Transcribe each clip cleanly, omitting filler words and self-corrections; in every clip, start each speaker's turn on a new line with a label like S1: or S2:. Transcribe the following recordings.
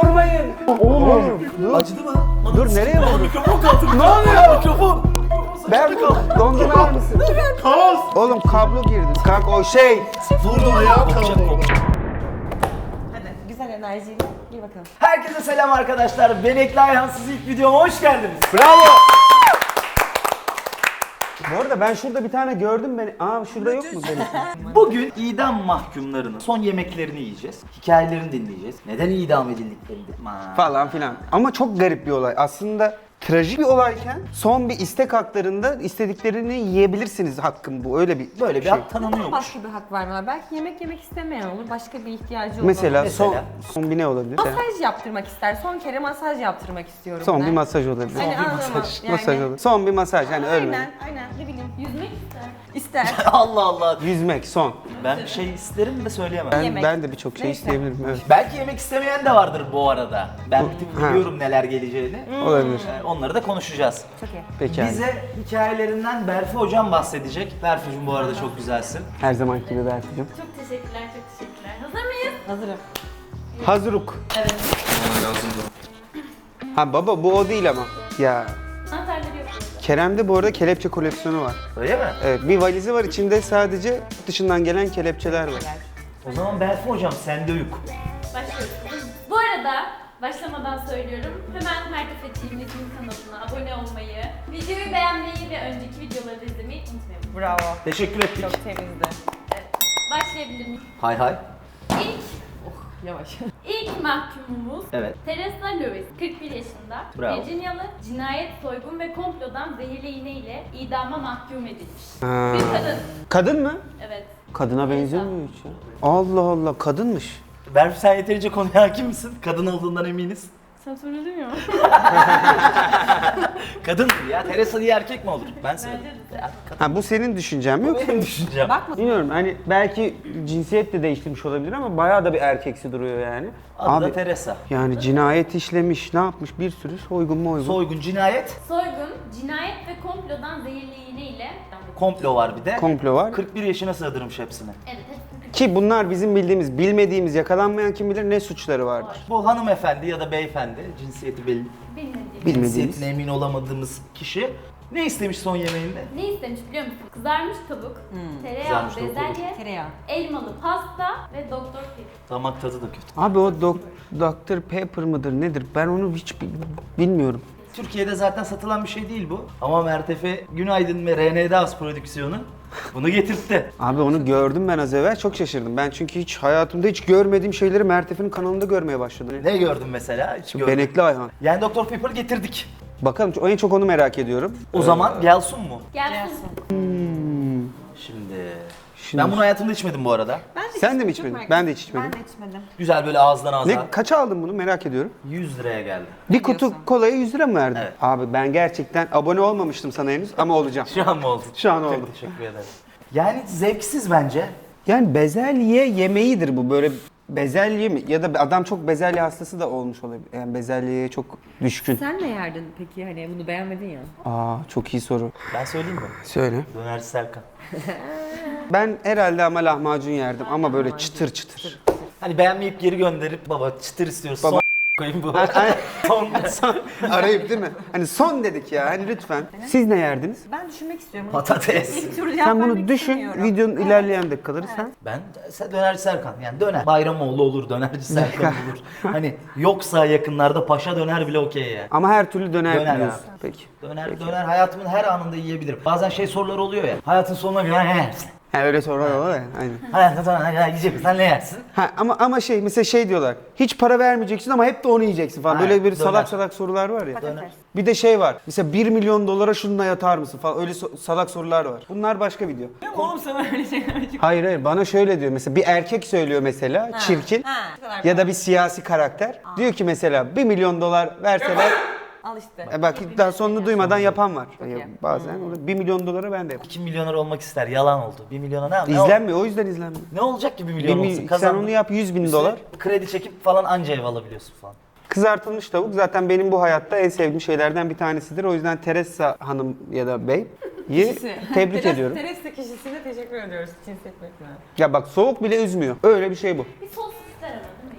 S1: vurmayın. Oğlum.
S2: Acıdı mı?
S1: Dur nereye vurdun?
S2: Mikrofon kaldı.
S1: Ne oluyor?
S2: Mikrofon.
S1: Ben dondurma yer misin?
S2: Kaos.
S1: Oğlum kablo girdi. Kanka o şey.
S2: Vurdu ayağım kaldı.
S3: Hadi güzel enerjiyle gir bakalım.
S2: Herkese selam arkadaşlar. Ben Ekli Ayhansız ilk videoma hoş geldiniz.
S1: Bravo. Bu arada ben şurada bir tane gördüm beni. Aa şurada yok mu benim?
S2: Bugün idam mahkumlarının son yemeklerini yiyeceğiz. Hikayelerini dinleyeceğiz. Neden idam edildiklerini.
S1: Falan filan. Ama çok garip bir olay. Aslında trajik bir olayken son bir istek haklarında istediklerini yiyebilirsiniz hakkım bu. Öyle bir
S2: Böyle bir
S1: şey.
S2: hak tanınıyormuş.
S3: Başka bir hak vermiyorlar. Belki yemek istemeyen olur. Başka bir ihtiyacı olur.
S1: Mesela,
S2: Mesela?
S1: son bir ne olabilir?
S3: Masaj yaptırmak ister. Son kere masaj yaptırmak istiyorum.
S1: Son
S3: ben.
S1: bir masaj olabilir.
S3: Hani anlamam. Yani,
S1: Masaj olabilir. Son bir masaj yani ölme.
S3: Aynen. Ne bileyim. Yüzmek ister. İster.
S2: Allah Allah.
S1: Yüzmek son.
S2: Ben bir şey isterim de söyleyemem.
S3: Yemek.
S1: Ben de birçok şey
S3: Neyse.
S1: isteyebilirim. Evet.
S2: Belki yemek istemeyen de vardır bu arada. Ben bir tık
S1: Ha.
S2: biliyorum neler geleceğini.
S1: Olabilir.
S2: Onları da konuşacağız.
S3: Çok iyi.
S1: Peki abi.
S2: Bize hikayelerinden Berfi hocam bahsedecek. Berfi'cim bu arada çok güzelsin.
S1: Her zamanki gibi Berfi'cim.
S4: Çok teşekkürler, çok teşekkürler. Hazır mıyız?
S3: Hazırım.
S1: Hazıruk.
S4: Evet.
S1: Ha baba bu o değil ama. Ya
S4: Anahtarları yok burada.
S1: Kerem'de bu arada kelepçe koleksiyonu var.
S2: Öyle mi?
S1: Evet bir valizi var içinde sadece yurt dışından gelen kelepçeler var.
S2: O zaman Berfi hocam sende yük.
S4: Başlıyoruz. Bu arada başlamadan söylüyorum. Hemen Mertefe TV'nin YouTube kanalına abone olmayı, videoyu beğenmeyi ve önceki videoları da izlemeyi unutmayın.
S3: Bravo.
S2: Teşekkür ettik.
S3: Çok temizdi.
S4: Evet. Başlayabilir miyim?
S2: Hay hay.
S4: İlk,
S3: Yavaş.
S4: ilk mahkumumuz
S2: Evet.
S4: Teresa Lewis, 41 yaşında,
S2: Bravo.
S4: Virginialı, cinayet, soygun ve komplodan zehirli iğne ile idama mahkum edilmiş.
S1: Ha.
S4: Bir kadın.
S1: Kadın mı?
S4: Evet.
S1: Kadına benzemiyor hiç ya. Allah Allah kadınmış.
S2: Berfi sen yeterince konuya hakim misin? Kadın olduğundan eminiz.
S4: Sen söyledin ya.
S2: Kadın ya. Teresa diye erkek mi olur? Ben söyledim. Ya, kadın
S1: Ha bu senin düşüncen mi yoksa?
S2: benim düşüncem.
S3: Bakma.
S1: Bilmiyorum hani belki cinsiyet de değiştirmiş olabilir ama bayağı da bir erkeksi duruyor yani.
S2: Adı da Teresa.
S1: Yani cinayet işlemiş, ne yapmış bir sürü soygun mu oygun.
S2: Soygun, cinayet,
S4: Soygun, cinayet ve komplodan zehirli iğne ile...
S2: komplo var bir de.
S1: Komplo var.
S2: 41 yaşına sığdırmış hepsini.
S4: Evet, hepsini
S1: Ki bunlar bizim bildiğimiz, bilmediğimiz, yakalanmayan kim bilir ne suçları vardır.
S2: Bu hanımefendi ya da beyefendi, cinsiyeti belli,
S4: bilmediğim.
S1: Bilmediğimiz.
S2: cinsiyetine emin olamadığımız kişi ne istemiş son yemeğinde?
S4: Ne istemiş biliyor musun? Kızarmış tavuk, tereyağı,
S2: Kızarmış tavuk
S4: bezelye,
S3: Tereyağı.
S4: elmalı pasta ve doktor pil.
S2: Damak tadı da kötü.
S1: Abi o Dr. Pepper mıdır nedir? Ben onu hiç bilmiyorum.
S2: Türkiye'de zaten satılan bir şey değil bu. Ama Mertefe Günaydın ve RND Az prodüksiyonu bunu getirtti.
S1: Abi onu gördüm ben az evvel çok şaşırdım. Ben çünkü hiç hayatımda hiç görmediğim şeyleri Mertef'in kanalında görmeye başladım.
S2: Ne gördün mesela? Hiç görmedim.
S1: Benekli Ayhan.
S2: Yani Dr. Pepper getirdik.
S1: Bakalım en çok onu merak ediyorum.
S2: O zaman gelsin mu?
S4: Gelsin.
S2: Şimdi...
S1: Şimdi-
S2: Ben bunu hayatımda içmedim bu arada.
S3: Ben de
S1: Sen de mi
S3: çok
S1: içmedin?
S3: merak
S1: Ben de
S3: ettim.
S1: hiç içmedim.
S3: Ben de içmedim.
S2: Güzel böyle ağızdan ağza.
S1: Ne kaça aldın bunu merak ediyorum.
S2: 100 liraya geldi.
S1: Bir kutu kolaya 100 lira mı verdin?
S2: Evet.
S1: Abi ben gerçekten abone olmamıştım sana henüz ama olacağım.
S2: Şu an mı oldu?
S1: Şu an
S2: Çok
S1: oldu.
S2: teşekkür ederim. Yani zevksiz bence.
S1: Yani bezelye yemeğidir bu böyle bezelye mi? Ya da adam çok bezelye hastası da olmuş olabilir. Yani bezelyeye çok düşkün.
S3: Sen ne yerdin peki hani bunu beğenmedin ya?
S1: Aa çok iyi soru.
S2: Ben söyleyeyim mi?
S1: Söyle.
S2: Dönerci Serkan.
S1: Ben herhalde ama lahmacun yerdim ama böyle çıtır çıtır.
S2: Hani beğenmeyip geri gönderip baba çıtır istiyoruz.
S1: Baba-
S2: Son koyayım bu. Son.
S1: Arayıp değil mi? Hani son dedik ya hani lütfen. Siz ne yerdiniz?
S3: Ben düşünmek istiyorum.
S2: Patates.
S3: İlk tur cevap
S1: Sen bunu
S3: vermek
S1: düşün,
S3: istemiyorum.
S1: videonun ilerleyen dakikaları sen.
S2: Ben dönerci Serkan. Yani döner. Bayramoğlu olur, dönerci Serkan olur. Hani yoksa yakınlarda paşa döner bile okey ya.
S1: Ama her türlü döner,
S2: Döner
S1: biliyorsun.
S2: abi.
S1: Peki.
S2: Döner hayatımın her anında yiyebilirim. Bazen şey soruları oluyor ya. Hayatın sonuna kadar ne yersin?
S1: Ha öyle sorular oluyor ya. Aynen.
S2: Hayatın sonuna kadar yiyeceksin. Sen ne yersin?
S1: Ha ama şey mesela şey diyorlar. Hiç para vermeyeceksin ama hep de onu yiyeceksin falan.
S2: Aynen,
S1: Böyle bir
S2: döner.
S1: salak salak sorular var ya.
S2: Döner.
S1: Bir de şey var. Mesela 1 milyon dolara şununla yatar mısın falan. Öyle salak sorular var. Bunlar başka video.
S3: Oğlum sana öyle şeyler
S1: Hayır bana şöyle diyor. Mesela bir erkek söylüyor mesela çirkin.
S3: bu kadar.
S1: Ya da bir siyasi karakter. Diyor ki mesela 1 milyon dolar verseler.
S3: Al işte.
S1: Bak daha sonunu duymadan yapan var.
S3: iyi.
S1: Bazen 1 milyon dolara ben de yaparım.
S2: 2 milyoner olmak ister. Yalan oldu. 1 milyona ne
S1: İzlenmiyor o yüzden izlenmiyor.
S2: Ne olacak ki 1 milyon olsun?
S1: Sen
S2: Kazandın.
S1: onu yap 100 bin dolar.
S2: Kredi çekip falan anca ev alabiliyorsun falan.
S1: Kızartılmış tavuk zaten benim bu hayatta en sevdiğim şeylerden bir tanesidir. O yüzden Teresa Hanım ya da Bey tebrik ediyorum.
S3: Teresa kişisine teşekkür ediyoruz cinsiyet bekleyen.
S1: Ya bak soğuk bile üzmüyor. Öyle bir şey bu.
S4: Bir sos ister ama değil mi yani?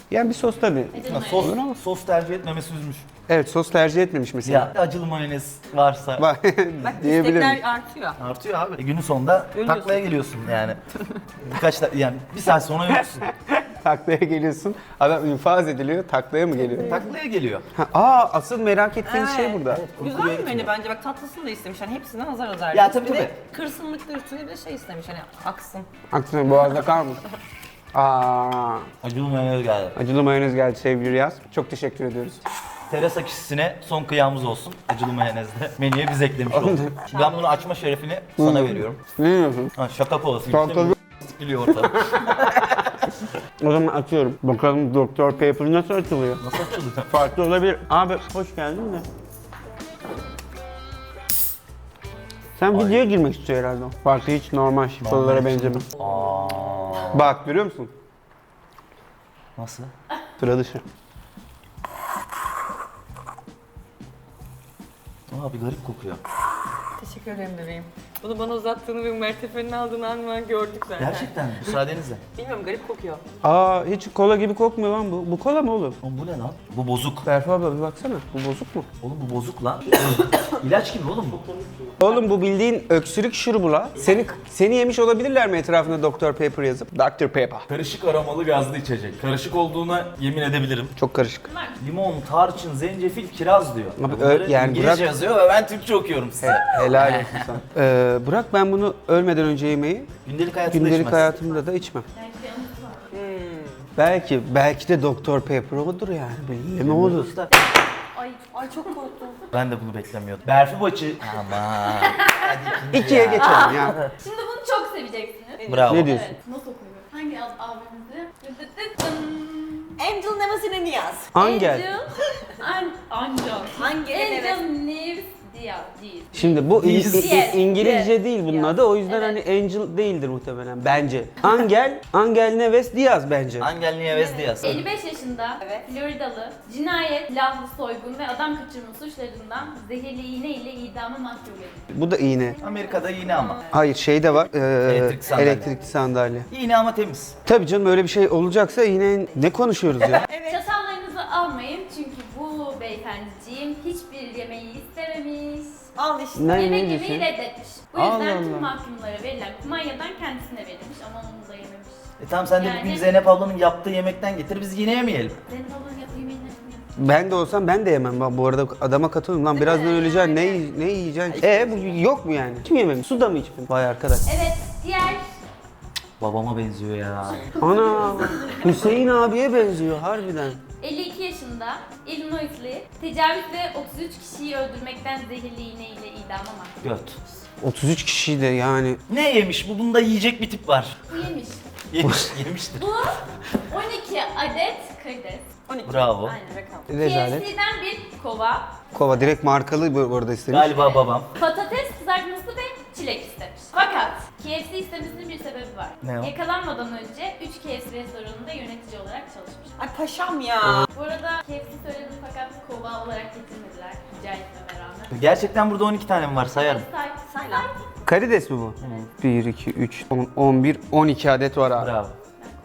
S1: Yani bir sos tabii.
S4: Acılı
S2: Sos,
S4: mayonez.
S2: sos tercih etmemesi üzmüş.
S1: Evet, sos tercih etmemiş mesela.
S2: Ya acılı mayonez varsa
S1: Bak
S3: Bak
S1: diyebilirim.
S3: istekler artıyor.
S2: artıyor abi. Günün sonunda
S3: Ölüyorsun.
S2: taklaya geliyorsun yani. Yani bir saat sonra ölüyorsun.
S1: Taklaya geliyorsun. Adam infaz ediliyor. Taklaya mı geliyor?
S2: Taklaya geliyor.
S1: Asıl merak ettiğiniz şey
S3: Evet.
S1: burada.
S3: Güzel bir menü bence, bak tatlısını da istemiş hani hepsinden azar azar.
S2: Ya tabii,
S3: Bir de
S2: tabii.
S3: kırsınlıkta üstüne bir de şey istemiş hani aksın.
S1: Aksine boğazda kalmış.
S2: Acılı mayonez geldi.
S1: Acılı mayonez geldi sevgili Riyaz. Çok teşekkür ediyoruz.
S2: Terasa kişisine son kıyamız olsun. Acılı mayonezle. Menüye biz eklemiş olduk. Şimdi ben bunu açma şerefini sana veriyorum.
S1: Ne diyorsun?
S2: Ha, şaka povası.
S1: Tabii.
S2: Biliyor ortalık.
S1: O zaman açıyorum. Bakalım Dr. Pepper nasıl açılıyor?
S2: Nasıl açılıyor?
S1: Farklı olabilir. Abi hoş geldin de. Sen videoya girmek istiyor herhalde. Farklı hiç normal şifalara benzemez. Bak görüyor musun?
S2: Nasıl?
S1: Sıra dışı.
S2: Abi garip kokuyor.
S3: Teşekkür ederim bebeğim. Bunu bana uzattığını ve mertefenin aldığını an gördük zaten.
S2: Gerçekten mi? Müsaadenizle.
S3: Bilmiyorum, garip kokuyor.
S1: Hiç kola gibi kokmuyor lan bu. Bu kola mı oğlum?
S2: Oğlum bu ne lan? Bu bozuk.
S1: Berfu abla bir baksana. Bu bozuk mu?
S2: Oğlum bu bozuk lan. İlaç gibi oğlum bu.
S1: Oğlum bu bildiğin öksürük şurubu la. Seni yemiş olabilirler mi etrafında Dr. Pepper yazıp? Dr. Pepper.
S2: Karışık aromalı gazlı içecek. Karışık olduğuna yemin edebilirim.
S1: Çok karışık.
S2: Limon, tarçın, zencefil, kiraz diyor.
S1: Abi,
S2: Bunları
S1: yani
S2: İngilizce
S1: bırak-
S2: yazıyor ve ben Türkçe okuyorum size.
S1: Helal olsun sana. Bırak ben bunu ölmeden önce yemeği,
S2: Gündelik hayatında
S1: gündelik
S2: içmez.
S1: hayatımda da içmem. Belki de Dr. Pepper odur yani. Belli mi olur?
S2: Usta,
S3: Ay çok korktum.
S2: ben de bunu beklemiyordum. Berfi Baçı. Aman. Hadi
S1: İkiye geçelim ya.
S4: Şimdi bunu çok seveceksiniz.
S2: Bravo.
S1: Ne diyorsun?
S4: Evet, nasıl okunuyor? Hangi abimizi?
S3: Angel Nemasine Niyaz.
S1: Angel.
S4: Angel.
S3: Hangi
S4: Angel Neves Diaz.
S1: Şimdi bu
S4: Yes.
S1: İngilizce
S4: Yes.
S1: değil bunun
S4: Yes.
S1: adı. O yüzden
S4: Evet.
S1: hani Angel değildir muhtemelen bence. Angel Neves Diaz bence.
S2: Angel Nieves Diaz.
S4: 55 yaşında,
S3: Evet.
S4: Floridalı, cinayet, silahlı soygun ve adam kaçırma suçlarından zehirli iğne ile idama mahkum edildi.
S1: Bu da iğne.
S2: Amerika'da yine ama.
S1: Hayır şey de var.
S2: Elektrikli sandalye.
S1: Elektrikli sandalye.
S2: Yine ama temiz.
S1: Tabii canım öyle bir şey olacaksa yine ne konuşuyoruz ya?
S4: Çatallarınızı almayın çünkü bu beyefendiciğim hiçbir yemeği istememiş.
S3: Al işte.
S1: Ne
S4: Yemek
S1: diyorsun?
S4: yemeyi reddetmiş. Bu
S1: Allah
S4: yüzden tüm
S1: Allah.
S4: mahkumlara verilen kumanyadan kendisine verilmiş ama onu da yememiş.
S2: Tamam sen de
S4: Yani-
S2: bugün Zeynep ablanın yaptığı yemekten getir biz yine yemeyelim.
S4: Zeynep ablanın yaptığı yemeği ne?
S1: Ben de olsam ben de yemem. Ben bu arada adama katılıyorum. Lan birazdan öleceksin. Ne yiyeceksin? Bu yok mu yani? Kim yememiş? Su da mı içmedin? Vay arkadaş.
S4: Evet, diğer
S2: Babama benziyor ya.
S1: Ana Hüseyin abiye benziyor harbiden.
S4: 52 yaşında Illinois'li tecavüz ve 33 kişiyi öldürmekten zehirli iğne ile idama mahkum.
S2: Göt.
S1: 33 kişi de yani.
S2: Ne yemiş? Bunda yiyecek bir tip var.
S4: Bu yemiş.
S2: Yemiştir.
S4: Bu 12 adet karides.
S3: 12.
S2: Bravo.
S3: Aynen rakam.
S1: Rezalet.
S4: KFC'den bir kova,
S1: Kova direkt markalı bu arada istemiş.
S2: Galiba babam.
S4: patates kızartması ve çilek istemiş. Fakat KFC istemesinin bir sebebi var.
S2: Ne o?
S4: Yakalanmadan önce 3 KFC restoranında yönetici olarak çalışmış.
S3: Ay paşam ya.
S4: Bu arada KFC söyledi fakat kova olarak getirmediler. Rica etmeme rağmen.
S2: Gerçekten burada 12 tane mi var sayarım.
S3: Say lan.
S1: Karides mi bu? 1, 2, 3, 10, 11, 12 adet var abi.
S2: Bravo.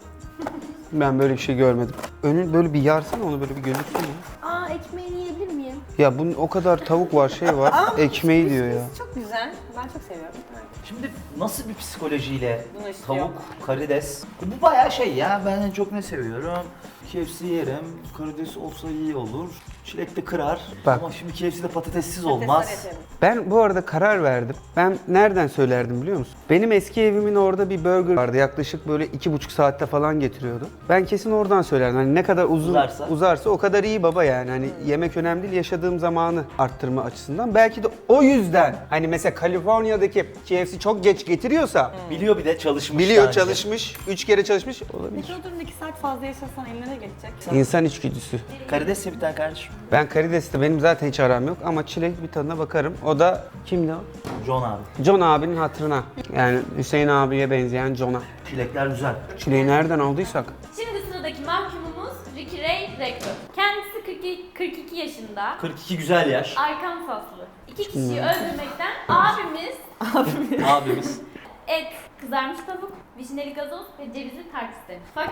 S1: Ben böyle bir şey görmedim. Önün böyle bir yarsana onu böyle bir gözüksün ya.
S3: Aa, ekmeğini yiyebilir miyim?
S1: Ya bunun o kadar tavuk var şey var. Ekmeği diyor ya.
S3: Çok güzel. Ben çok seviyorum.
S2: Şimdi nasıl bir psikolojiyle
S3: Bunu istiyor.
S2: tavuk, karides? Bu bayağı şey ya. Ben en çok ne seviyorum? KFC yerim. Karides olsa iyi olur. Çilek de kırar.
S1: Bak.
S2: Ama şimdi KFC'de patatessiz
S3: Patatesler
S2: olmaz.
S3: yeterim.
S1: Ben bu arada karar verdim. Ben nereden söylerdim biliyor musun? Benim eski evimin orada bir burger vardı. Yaklaşık böyle 2,5 saatte falan getiriyordu. Ben kesin oradan söylerdim. Hani ne kadar uzarsa o kadar iyi baba yani. Hani yemek önemli değil, yaşadığım zamanı arttırma açısından. Belki de o yüzden hani mesela Kaliforniya'daki KFC çok geç getiriyorsa
S2: Biliyor bir de çalışmış.
S1: biliyor
S2: daha önce.
S1: çalışmış, 3 kere çalışmış olabilir.
S3: Peki o durumda 2 saat fazla yaşasan eline ne geçecek?
S1: İnsan içgüdüsü.
S2: Karides ye bir tane kardeşim.
S1: Ben karidesle benim zaten hiç aram yok ama çilek bir tadına bakarım. O da kimdi o?
S2: John abi.
S1: John abinin hatırına. Yani Hüseyin abiye benzeyen John'a.
S2: Çilekler güzel.
S1: Çileği nereden aldıysak.
S4: Şimdi sıradaki mahkumumuz Ricky Ray Rector. Kendisi 42 yaşında.
S2: 42 güzel yaş.
S4: Arkansaslı. 2 kişiyi öldürmekten abimiz
S2: Abimiz.
S4: et, kızarmış tavuk, vişneli gazoz ve cevizli tart istemiş. Fakat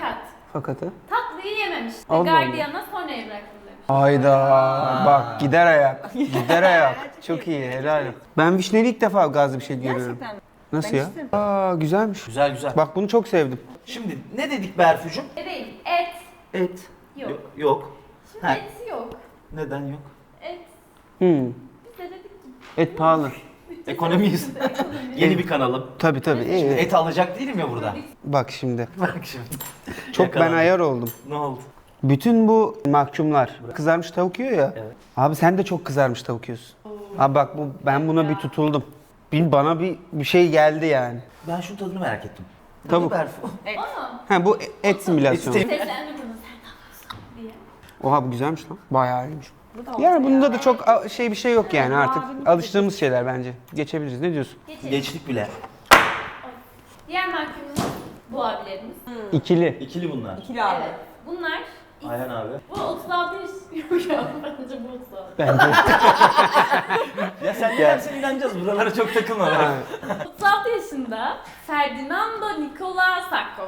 S1: Fakatı.
S4: Tatlıyı yememiş.
S1: Allah Allah.
S4: Gardiyan'a sonraya bıraktım demiş.
S1: Hayda. Bak gider ayak. Gider ayak. Çok iyi helal. Ben vişneli ilk defa gazlı bir şey görüyorum.
S3: Gerçekten mi?
S1: Nasıl
S3: Ben
S1: ya?
S3: içtim.
S1: Aa güzelmiş.
S2: Güzel güzel.
S1: Bak bunu çok sevdim.
S2: Şimdi ne dedik Berfucuğum?
S4: Değil. Et.
S2: Et.
S4: Yok.
S2: Yok.
S4: Şimdi
S2: Ha.
S4: et yok.
S2: Neden yok?
S4: Et.
S1: Hmm.
S4: Biz de dedik ki.
S1: Et pahalı.
S2: Ekonomiyiz. Yeni bir kanalım.
S1: Tabii tabii. iyi.
S2: Et alacak değilim ya burada.
S1: Bak şimdi.
S2: Bak şimdi.
S1: Çok ben
S2: Yakalandım.
S1: ayar oldum.
S2: Ne oldu?
S1: Bütün bu mahkumlar kızarmış tavuk yiyor ya.
S2: Evet.
S1: Abi sen de çok kızarmış tavuk yiyorsun. Abi bak ben buna bir tutuldum. Bana bir şey geldi yani.
S2: Ben şunun tadını merak ettim.
S1: Tavuk.
S2: Bu Berfu.
S4: Ama
S1: Ha bu et simülasyonu.
S2: Et
S4: seslendir bunu sen ne yapıyorsun diye.
S1: Oha bu güzelmiş lan. Bayağı iyiymiş.
S3: Bu da
S1: Yani
S3: oldu
S1: bunda
S3: ya.
S1: da çok bir şey yok yani artık
S3: abinin
S1: alıştığımız şeyler bence. Geçebiliriz. Ne diyorsun?
S4: Geçelim.
S2: Geçtik bile.
S4: Diğer mahkumumuz bu abilerimiz.
S1: İkili.
S2: İkili bunlar.
S3: İkili abi.
S4: Evet. Bunlar
S2: Ayhan abi.
S4: bu 36 yaş. Yok ya bence bu 36.
S1: Bence.
S2: Ya sen ne dersen inanacağız. Buralara çok takılma.
S1: Ha,
S4: 36 yaşında Ferdinando Nicola Sacco.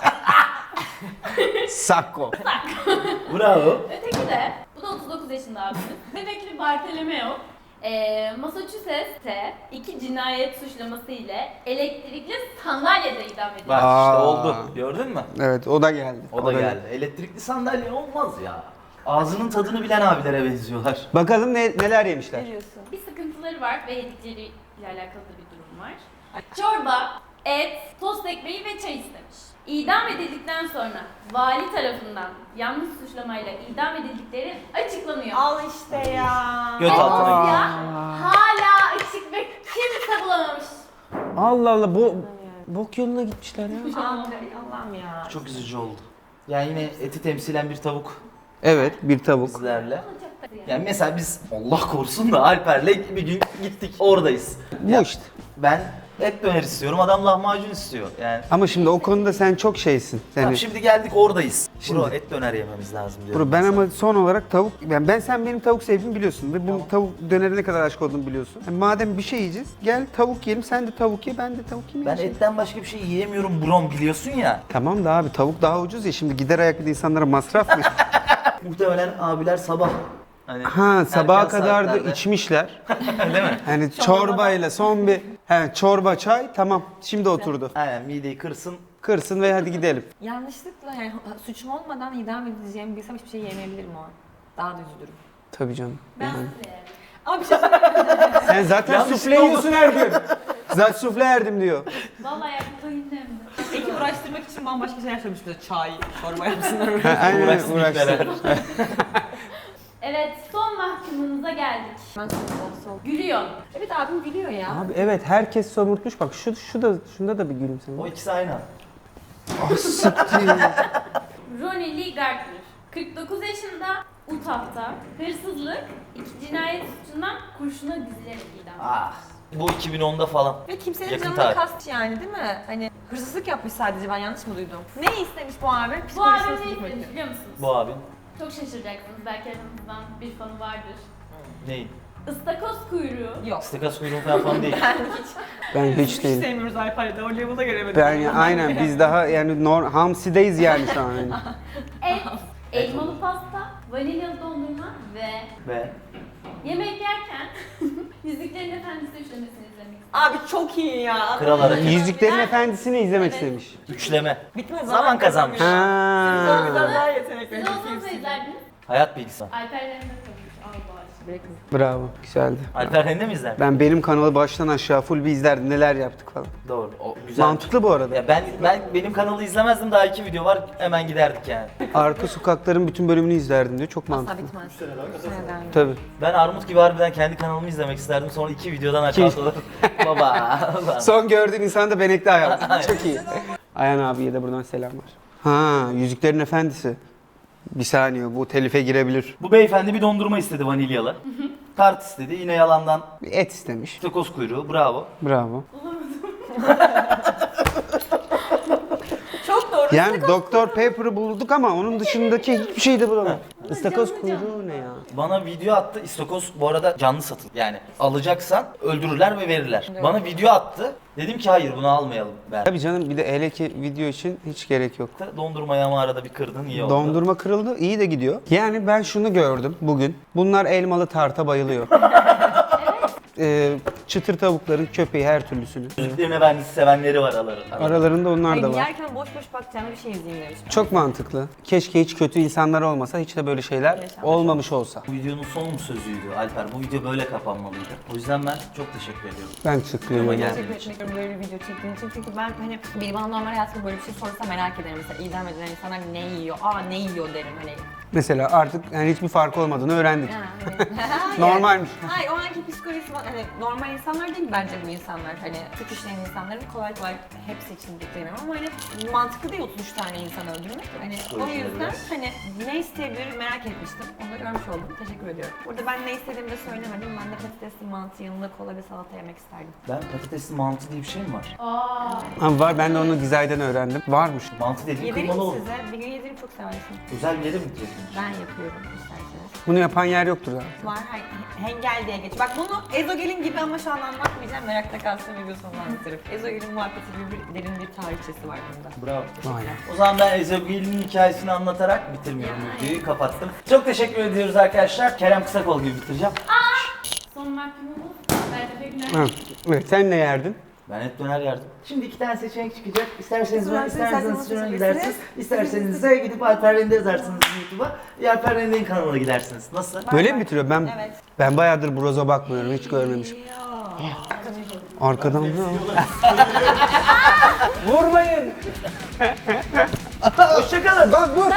S1: Sacco.
S2: Bravo.
S4: Öteki de, bu da 39 yaşında abimiz. Bebekli Bartolomeo. Massachusetts'te 2 cinayet suçlaması ile elektrikli sandalyede idam edildi.
S2: Bak işte
S1: Aa.
S2: oldu. Gördün mü?
S1: Evet o da geldi.
S2: O da geldi. Elektrikli sandalye olmaz ya. Ağzının tadını bilen abilere benziyorlar.
S1: Bakalım neler yemişler.
S3: Ne diyorsun?
S4: Bir sıkıntıları var ve yedikleriyle alakalı da bir durum var. Çorba, et, tost ekmeği ve çay istemiş. İdam edildikten sonra vali tarafından yanlış suçlamayla idam edildikleri açıklanıyor.
S3: Al işte ya.
S2: Göt
S4: Ama
S2: altına
S4: ya hala açık ve kimse bulamamış.
S1: Allah Allah bok yoluna gitmişler ya.
S3: Allah'ım ya.
S2: Çok üzücü oldu. Yani yine eti temsilen bir tavuk
S1: Evet bir tavuk.
S2: bizlerle.
S4: Ama çok da yani.
S2: Yani mesela biz Allah korusun da Alper'le bir gün gittik oradayız.
S1: Bu işte.
S2: Ben et döner istiyorum, adam lahmacun istiyor. Yani
S1: Ama şimdi o konuda sen çok şeysin.
S2: tamam,
S1: Yani,
S2: şimdi geldik oradayız.
S1: Şimdi-
S2: Bro et döner yememiz lazım diyorum.
S1: Bro, ben
S2: mesela.
S1: ama son olarak tavuk, yani sen benim tavuk sevdiğimi biliyorsun ve bu tavuk dönere ne kadar aşık olduğumu biliyorsun. Yani madem bir şey yiyeceğiz, gel tavuk yiyelim, sen de tavuk ye, ben de tavuk yiyeyim.
S2: Ben
S1: ya.
S2: etten başka bir şey yiyemiyorum brom biliyorsun ya.
S1: Tamam da abi tavuk daha ucuz ya, şimdi gider ayak bir de insanlara masraf mı?
S2: Muhtemelen abiler sabah. Hani
S1: Ha sabaha
S2: erken
S1: kadar da
S2: saatlerde.
S1: içmişler.
S2: Değil mi?
S1: Hani çorbayla son bir çorba çay tamam şimdi oturdu.
S2: Aynen mideyi kırsın.
S1: Kırsın ve hadi gidelim.
S3: Yanlışlıkla yani suçum olmadan idam edileceğimi bilsem hiçbir şey yemeyebilirim o an. Daha da üzülürüm.
S1: Tabii canım.
S4: Ben
S1: Yani.
S4: size yani.
S3: Ama bir şey söyleyeyim.
S1: Sen zaten
S2: Yanlış
S1: sufle
S2: oldu.
S1: yiyorsun her gün. Zaten sufle yerdim diyor.
S4: Vallahi yaptığım hem de.
S3: Peki uğraştırmak için bambaşka şeyler söylemiş bize. Çay, çorba yapsınlar.
S1: Ha, aynen
S2: Uğraşsın
S1: uğraştı.
S2: itmeler.
S4: Evet, son mahkumumuza geldik.
S3: Ben soğuk.
S4: Gülüyor.
S3: Evet abim biliyor ya.
S1: Abi evet herkes somurtmuş bak şunda da bir gülümseme.
S2: O ikisi aynı.
S4: Ronnie Lee Gardner. 49 yaşında, Utah'ta hırsızlık, 2 cinayet suçundan kurşuna dizilerek idam.
S2: Ah. Bu 2010'da falan.
S3: Ve kimsenin
S2: Yakın
S3: canına
S2: tarih.
S3: kast yani değil mi? Hani hırsızlık yapmış sadece, ben yanlış mı duydum? Ne istemiş bu abi?
S4: Bu abi
S3: Psikolojisi
S4: ne
S3: bozuk mu?
S4: istemiş biliyor musunuz?
S2: Bu abin.
S4: Çok şaşıracaksınız, belki aranızdan bir fanı vardır.
S2: Neyi?
S4: Istakoz kuyruğu.
S3: Yok.
S2: Stekas kuyruğu falan değil.
S1: Ben hiç
S3: Hiç
S1: değilim.
S3: sevmiyoruz Alper'de, o level'a gelemedik.
S1: Aynen biz daha yani hamsideyiz yani şu an. Yani.
S4: Et, elmalı pasta, vanilyalı dondurma ve
S2: Ve
S4: yemek yerken Yüzüklerin Efendisi üçlemesini izlemek.
S3: Abi çok iyi ya.
S2: Kral Hareketi.
S1: Yüzüklerin Efendisi'ni izlemek istemiş.
S2: Üçleme.
S3: Bitmez
S2: Zaman kazanmış.
S1: Ha.
S3: Biraz daha yetenekli.
S4: Siz olsanız izlerdiniz.
S2: Hayat bilgisi.
S4: Alper'lerine koymuş. Allah aşkına.
S1: Bravo güzeldi.
S2: Alper Rende mi izler?
S1: Benim kanalı baştan aşağı full bir izlerdim neler yaptık falan.
S2: Doğru. O güzel.
S1: Mantıklı bu arada.
S2: Ya benim kanalı izlemezdim, daha 2 video var, hemen giderdik yani.
S1: Arka sokakların bütün bölümünü izlerdim diyor. Çok
S3: Asla
S1: mantıklı.
S3: bitmez. Seneden.
S1: Tabii.
S2: Ben Armut gibi harbiden kendi kanalımı izlemek isterdim, sonra 2 videodan aşağıda olur. Baba.
S1: Son gördüğün insan da benekli hayat. Çok iyi. Ayhan abiye de buradan selamlar. Ha, Yüzüklerin Efendisi. Bir saniye bu telife girebilir.
S2: Bu beyefendi bir dondurma istedi vanilyalı. Tart istedi, yine yalandan
S1: Bir et istemiş.
S2: takoz kuyruğu, bravo.
S1: Bravo.
S3: Çok doğru.
S1: Yani Doktor Pepper'ı bulduk ama onun dışındaki hiçbir şey de bulamadık. Istakoz
S4: canlı
S1: kuyruğu ne ya?
S2: Bana video attı. İstakoz bu arada canlı satın. Yani alacaksan öldürürler ve verirler. Bana video attı. Dedim ki hayır bunu almayalım ben.
S1: Tabii canım, bir de hele ki video için hiç gerek yok.
S2: Dondurmayı ama arada bir kırdın iyi oldu.
S1: Dondurma kırıldı, iyi de gidiyor. Yani ben şunu gördüm bugün. Bunlar elmalı tarta bayılıyor. Çıtır tavukların köpeği her türlüsünü.
S2: Yüzüklerin Efendisi sevenleri var aralarında.
S1: Aralarında onlar
S3: Hayır,
S1: da var.
S3: yerken boş boş bakacağım bir şey izleyeyim demiş.
S1: Çok mantıklı. Keşke hiç kötü insanlar olmasa, hiç de böyle şeyler
S3: Yaşanmış
S1: olmamış olsa.
S2: Bu videonun son sözüydü Alper. Bu video böyle kapanmalıydı. O yüzden ben çok teşekkür ediyorum.
S1: Ben teşekkür
S2: Ama
S1: ederim.
S2: gel.
S3: Teşekkür etmek istiyorum böyle bir video çektiğin için. Çünkü ben hani biri bana normal hayatımda böyle bir şey sorsa merak ederim. Mesela idam edilen insanlar ne yiyor? Aa ne yiyor derim hani.
S1: Mesela artık yani hiçbir farkı olmadığını öğrendik.
S3: Hayır.
S1: Normalmiş.
S3: Hayır, o anki psikolojisi hani normal insanlar değil bence bu insanlar. Hani suç işleyen insanların kolay kolay hepsi için beklemiyorum ama hani mantıklı değil 33 tane insan öldürmek. Hani o yüzden hani ne isteyebilir merak etmiştim. Onu da görmüş oldum. Teşekkür ediyorum. Burada ben ne istediğimi de söylemedim. Ben de patatesli mantı yanında kola ve salata yemek isterdim.
S2: Ben patatesli mantı diye bir şey mi var?
S1: Ama var, ben de onu Gizay'dan öğrendim. Varmış.
S2: Mantı dediğin
S3: Yedireyim
S2: kıymalı olur.
S3: size. Bir gün yedireyim çok seversin.
S2: Özel bir yere mi gidiyorsun?
S3: Ben yapıyorum isterseniz.
S1: Bunu yapan yer yoktur zaten.
S3: Var hengel diye geç. Bak bunu ezogelin gibi ama şu an anlatmayacağım. Merakta kalsın video sonunda anlatırım. Ezogelin muhabbeti gibi bir derin bir tarihçesi var bunda.
S2: Bravo.
S1: Vay.
S2: O zaman ben Ezogel'in hikayesini anlatarak bitirmiyorum videoyu, kapattım. Çok teşekkür ediyoruz arkadaşlar. Kerem Kısakol gibi bitireceğim.
S4: Son mahkumumuz Bertefe Güner.
S1: Ha, evet, sen ne yerdin?
S2: Ben hep döner yerdim. Şimdi 2 tane seçenek çıkacak. İsterseniz
S3: Sonra
S2: ben, isterseniz
S3: isterseniz
S2: şuna gidersiniz. İsterseniz de gidip Alper Rende yazarsınız YouTube'a. Alper Rende'nin kanalına gidersiniz. Nasıl?
S1: Böyle mi bitiriyor?
S3: Evet.
S1: Ben bayağıdır broza bakmıyorum, hiç görmemişim. Arkadan ne? Vurmayın.
S2: Hoşçakalın.
S1: Bak dur.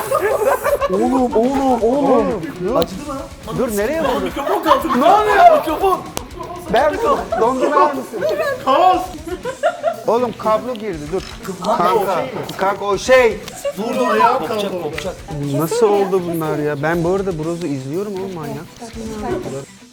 S1: Oğlum.
S2: Acıdı mı?
S1: Dur, nereye vurdun?
S2: Mikrofon kaldı. Ne oluyor? Mikrofon.
S1: Ben dondurma yer misin?
S2: Kaos.
S1: Oğlum kablo girdi, dur. Kanka o şey.
S2: Durdu ayağım kaldı. Kopacak.
S1: Nasıl oldu bunlar ya? Ben bu arada brozu izliyorum oğlum, manyak.